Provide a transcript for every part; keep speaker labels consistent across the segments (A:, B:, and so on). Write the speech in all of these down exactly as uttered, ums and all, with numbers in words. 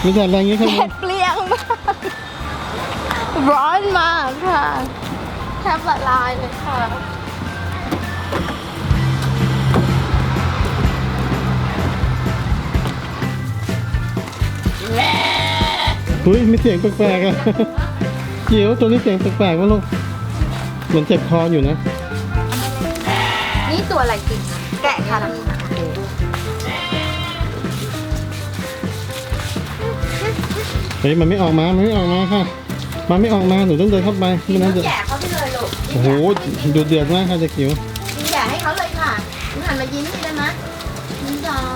A: มีแดดแรงงี้ครับ
B: แดดเปรี้ยงมากร้อนมากค่ะแทบละลายเลยค่ะ
A: เฮ้ยมีเสียงแปลกๆอะจิ๋วตัวนี้เสียงแปลกๆวะลูกเหมือนเจ็บคออยู่นะ
B: นี่ตัวอะไรกินแกะค่ะ
A: เฮ้ยมันไม่ออกมา มันไม่ออกมาค่ะ มันไม่ออกมาหนูต้องเดินเข้าไปไม่นั้นจะ
B: แกะเขาไปเลยลูก
A: โอ้โหดูเดือดมากค่ะเด็กจิ๋ว
B: กินแกะให้เขาเลยค่ะหนูหันมายิ้มได้ไหมยิ้มสอง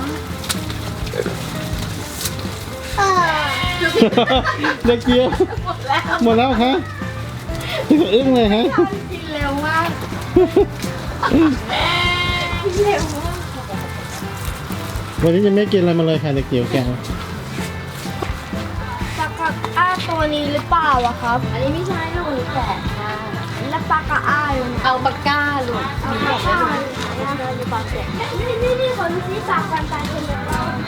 B: เออ
A: เด็กจิ๋ว
B: หมดแล้ว
A: หมดแล้วคะอึ้งเลยฮะ
B: กินเร็วมากกินเร็วมาก
A: วันนี้จะไม่กินอะไรมาเลยค่ะเด็กจิ๋วแก
C: ปลากระอ้าตัวนี้หรือเปล่าอะครับ
B: อันนี้ไม่ใช่ลูกแกะค่ะ
C: แล้วปลากระอ้าอยู่
B: เอาปากกาลูก
C: ปลากระอ้าอยู่ปลาเสร็จนี่นี่นี่คนที่ปากกันตายคนเดียว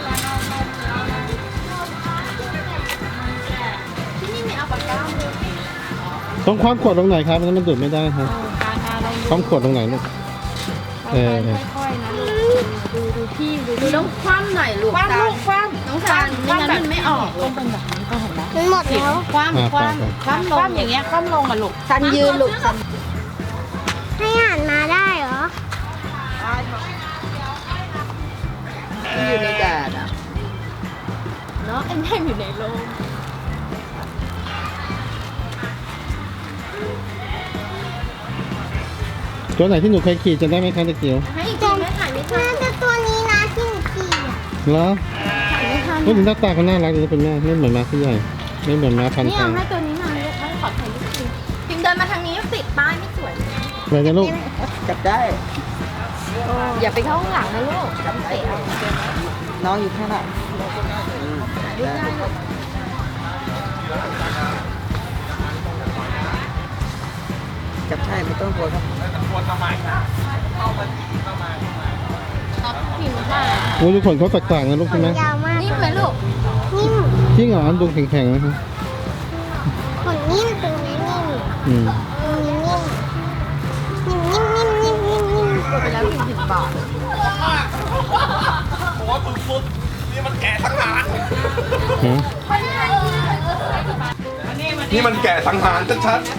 B: ที่นี่มีเอาปากกาเลย
A: ต้องคว้ำขวดตรงไหนครับมันมันดูดไม่ได้ครับคว้ำขวดตรงไหนลูกเออ
C: ค่อยๆนะดูดูพี่ดู
B: ดูต้องคว่ำหน่อยลูก
C: คว้าลูกคว้า
B: น้องซานไม่งั้นมันไม่ออกลูก
C: มันหมดแล้ว
B: คว่ำคว่ำคว่ำลงอย่างเงี้ยคว่ำลงอ่ะลูกซันยืนลูกซัน
C: ให้หันมาได้เหรอ
B: อยู่ในแดดอ่ะเนาะไอ้แม่อยู่ในโรง
A: ตัวไหนที่หนูเคยขี่จะได้ไหมคะเด็กจิ๋ว
B: ให้อีกทีไหมถ่ายไม่ทัน
C: น่าจะตัวนี้นะที่หนูขี่อะ
A: เหรอ
B: ถ่ายไม่ทัน
A: พูดถึงหน้าตาเขาน่ารักดีนะคุณแม่ไม่เหมือนม้าที่ใหญ่ไม่เหมือนม้าพันธุ์
B: นี่
A: ทา
B: เอา
A: ง
B: ให้ตัวนี้หน่อยลูกให้ขอถ่ายรูปจริงพิมเดินมาทางนี้ติดป้ายไม่สวย
A: ไปนะลูก
D: จับได้
B: อย่าไปเข้าข้างหลังนะลูกจับเตะเอา
D: น้องอยู่ข้างหน้าได้จับใช่ไม่ต้องกลัวครับ
B: เอาพิมพ์มา
A: โอ้ยดูขนเขาแตกต่างนะลูกใช่ไหม
C: ยาวมาก
B: นิ่มไหมลูก
C: นิ่ม
A: จริงเหรอดูแข็งๆนะครับ
C: ขนนิ่มตัวนี้นิ่ม
A: อืม
C: ตัวนี้นิ่มนิ่มนิ่มนิ่มนิ่มนิ่มนิ่ม
B: กดไปแล้วพิมพ์สิบบาท
A: ฮะ
E: นี่มันแก่สังหารชัดๆ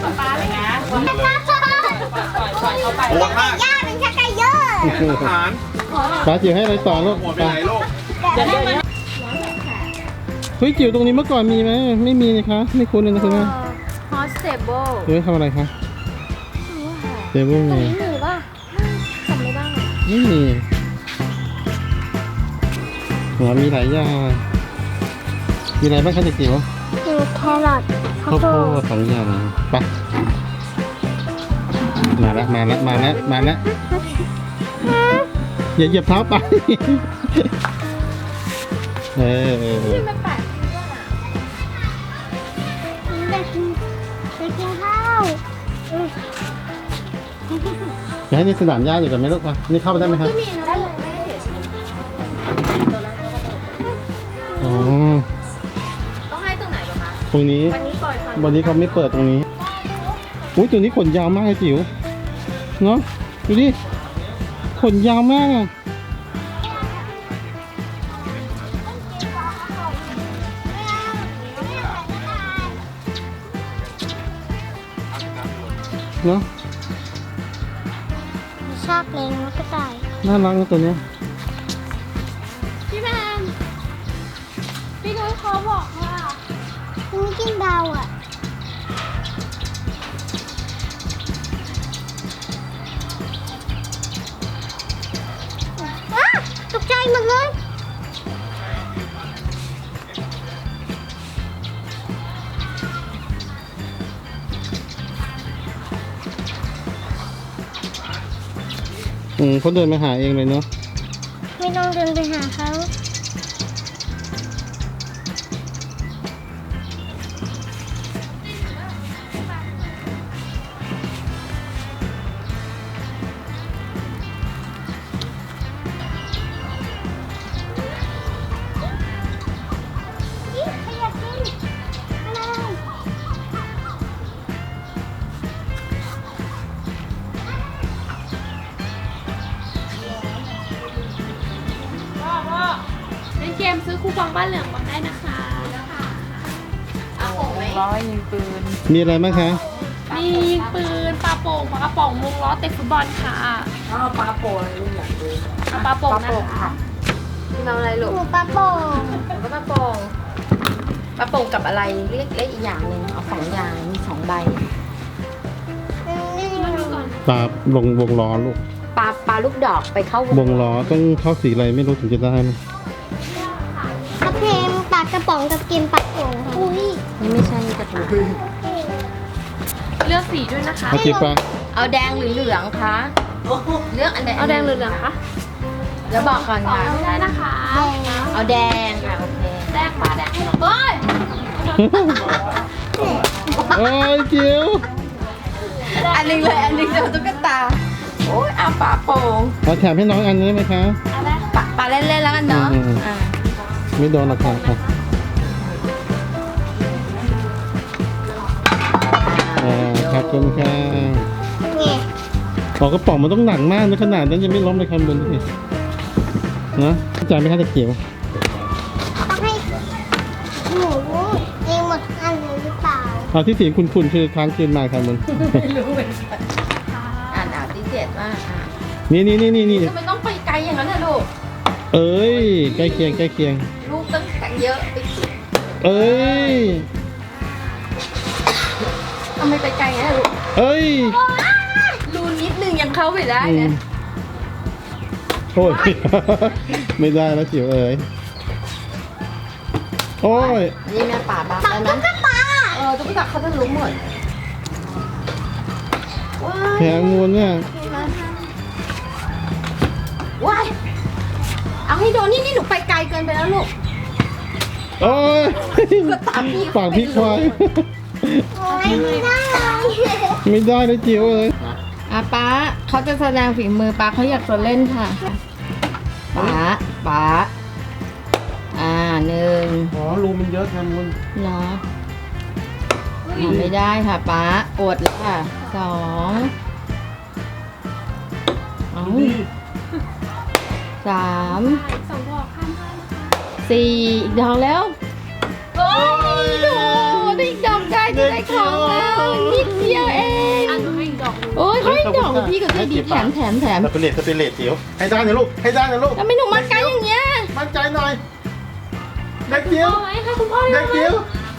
E: โหดมาก
C: ย่าเป็นชักไก่เยอะ
E: สังหาร
A: ป้าจิ๋วให้อะไรต่อลูก
E: โหดไปไหนลูก
A: เฮ้ยจิ๋วตรงนี้เมื่อก่อนมีไหมไม่มีนะคะไม่คุ้นเลยนะคุณแม่
B: ฮอสเตเบิล
A: เฮ้ยทำอะไรคะเดี๋ยวไม่มี
C: หนูป่ะจำไม่ได้
A: ไม่มีหัวมีหลายอย่างมีอะไรบ้างคะเด็กจิ๋ว
C: มีแครอทข้าว
A: ข้าว
C: โพ
A: โพ
C: ด
A: ดสองอย่างไปมาแล้วมาแล้วมาแล้วมาแล้วอย่าเหยียบเท้าไปเออเออเออ
B: มันแปลกจริงด้วยอ่ะ
C: ไปกินไปกินข้าวอืม
A: จะให้นี่สนามหญ้าอยู่กันไหมลูกปะนี่เข้าไปได้ไหมครับ
B: ที่มีนะได้เลยไม่ได้เห็น
A: อ๋อ
B: ต้องให้ตรงไหนบ้างคะ
A: ตรงนี้
B: วันนี้ปล่อยฟัน
A: วันนี้เขาไม่เปิดตรงนี้อุ้ยตัวนี้ขนยาวมากเลยจิ๋วเนาะดูดิขนยาวมากอะเนาะ
C: ชอบเลี้ยงกระต่าย
A: น่ารักนะตัวเนี้ย
C: พี่แมนพี่นุ้ยเขาบอกว่าคุณไม่กินเบาอ่ะอ้าตกใจหมดเลย
A: อืมเขาเดินมาหาเองเลยเนาะ
C: ไม่ต้องเดินไปหาเขา
B: ซื้อคูปองบ้านเหลืองมาได้นะคะเอาโป่งไหม
D: ร้อยยิงปืน
A: มีอะไรบ้างคะ
B: มียิงปืนปลาโป่งปลากระป๋องวงล้อเตะฟุตบอลค่ะ
D: อ้าวปลาโป่งลูกอยากดู
B: เอาปลาโป่ง
D: ปลา
B: นะ
D: โป่ง
B: คะ
D: ค่ะ
B: พี่เอาอะไรลูก
C: หมูปลาโป่ง
B: แล้วก็ปลาโป่งปลาโป่งกับอะไรเรียกเรียกอีกอย่างหนึ่งเอาสองอย่างมีสองใบมาดูก่อน
A: ปลาลงวงล้อลูก
B: ปลาปลาลูกดอกไปเข้าว
A: วงล้อต้องเข้าสีอะไรไม่รู้ถึงจะได้นะ
C: กระเพมปลากระป๋องกับกินปลาโป่งค่ะอุ้ย
B: นี่ไม่ใช่กระปุกเลือกสีด้วยนะคะ
A: เอาจีปลา
B: เอาแดงหรือเหลืองคะเลือกอันใดเอาแดงหรือเหลืองคะเดี๋ยวบอกก่อนค่ะได้นะคะ
C: แดงนะ
B: เอาแดงค่ะโอเคแดงปลาแดงให้หน่อยเฮ้ย
A: โอ้ยจิ๋ว
B: อันหนึงเลยอันหนึงเดี๋ยวตุ๊กตาโอ้ยเอาปลาโป่ง
A: เอาแถมให้น้องอันนี้ไหมคะ
B: ปลาปลาเล่นๆแล้วกันเนาะ
A: อืม
B: อ่า
A: ไม่โดนหรอกค่ะค่ะอ่าขอบคุณค่ะ
C: ไง
A: บอกกระป๋องมันต้องหนักมากนะขนาดนั้นยังไม่ล้มเลยคันบนนี่นะจ่ายไหมคะตะเกียบ
C: ต้องให้หมูเองหมดอันเลยหรือเปล่า
A: เอาที่เสียงคุณๆคือค้างคืนมาคันบน
B: อ่านอ่านที่เจ็ดว่าอ่า
A: นี่นี่นี่นี่นี่
B: ทำไมต้องไปไกลอย่างนั้นน่ะลูก
A: เอ้ยใกล้เคียงใกล้เคียง
B: ลูกต้องแข็งเยอะไป
A: เอ้ย
B: ทำไมไปไกลอย่างนั้นลูก
A: เอ้ย
B: รูนิดนึงยังเข้าไปได้
A: อื
B: นะ
A: มโอ้ย ไม่ได้แล้วจิ๋วเอ้ยโอ้ย
B: นี่แม่ป่าบ้าแล้วนะ
C: ตุ๊กตา
B: เออตุ๊กตาเขาจะรู้หมดว้าย
A: แพงมูลเนี่ย
B: ว้ายเอาให้โดนนี่นี่หนูไปไกลเกินไปแล้วลูก
A: โอ้ย
B: ก็ตามพี่
A: ปากพี่ควาย
C: โอ้ยไม่ได้
A: ไม่ได้เลยจิ๋วเอ้ย
B: อ่ะป้าเขาจะแสดงฝีมือป้าเขาอยากจะเล่นค่ะป้าป้าอ่าหนึ่ง
A: อ๋อรูมันเยอะแพงมูล
B: เหรอทำไม่ได้ค่ะป้าอดแล้วค่ะสองเอาสามสี่อีกดอกแล้วโอ้ยโถได้อีกดอกได้จะได้ของแล้วนิดเดียวเองโอ้ยเขาอีกดอกพี่ก็ใจดีแถมแถมแถม
A: สปิเลตสปิเลตจิ๋วให้ได้นะลูกให้ได้นะลูก
B: ทำไมหนูมั่นใจอย่างเงี้ย
A: มั่นใจหน่อยเด็กจิ๋ว
B: เอาไว้ค่ะคุณพ่อ
A: เด็กจิ๋ว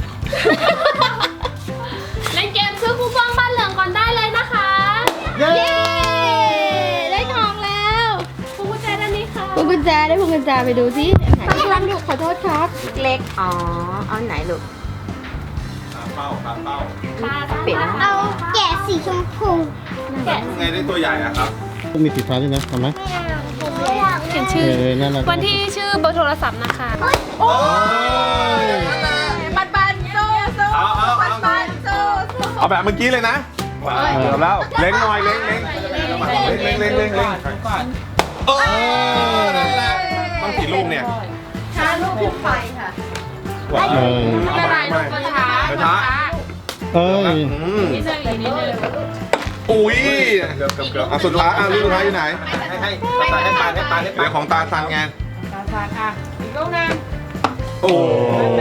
B: เล่นเกมซื้อคูปองบ้านเหลืองก่อนได้เลยนะคะ
A: เย้
B: ได้ของแล้วพวงกุญแจด้านนี้ค่ะพวงกุญแจได้พวงกุญแจไปดูสิไหนพี่วันดูขอโทษครับ เล็กอ๋อเอาไหนลูก
E: ตามเป้าตามเป้า
B: ปิดนะ
C: เอาแกะสีชมพู
B: แกะ
E: ไงได้ตัวใหญ่อะครับ
A: มีสีฟ้าด้วยนะทำไหม
C: ไม่อยาก
B: เขียน
A: เอ
B: ชื่อ
A: อนั่นแหละ
B: วันที่ชื่อเบอร์โทรศัพท์นะคะ
A: โอ้ย
B: ปันปันโซโซ
E: เอาเอา
B: ปัน
E: เอา
B: ปันโซโซ
E: เอาแบบเมื่อกี้เลยนะเดี๋ยวแล้วเล็งหน่อยเล็งเล็งเล็งเล็งเล็งเล็งเออนั่นแหละต้องกี่ลูกเนี่ย
B: ช้าลูกขึ้นไปค่ะ
A: เออ
B: ไม่เป็นไรลูกก็ช้า
E: ช้า
A: เอ้ย
E: อืม
B: นิดนึงอีกนิดนึง
E: อุ้ยเกือบเกือบเกือบอ่ะสุดท้ายอ่ะลูกสุดท้ายอยู่ไหนให้ให้ให้ให้ปานให้ปานให้ปานของตาซันไง
D: ตาซานอ่ะอีกลูกนึง
E: โอ้
A: โอ้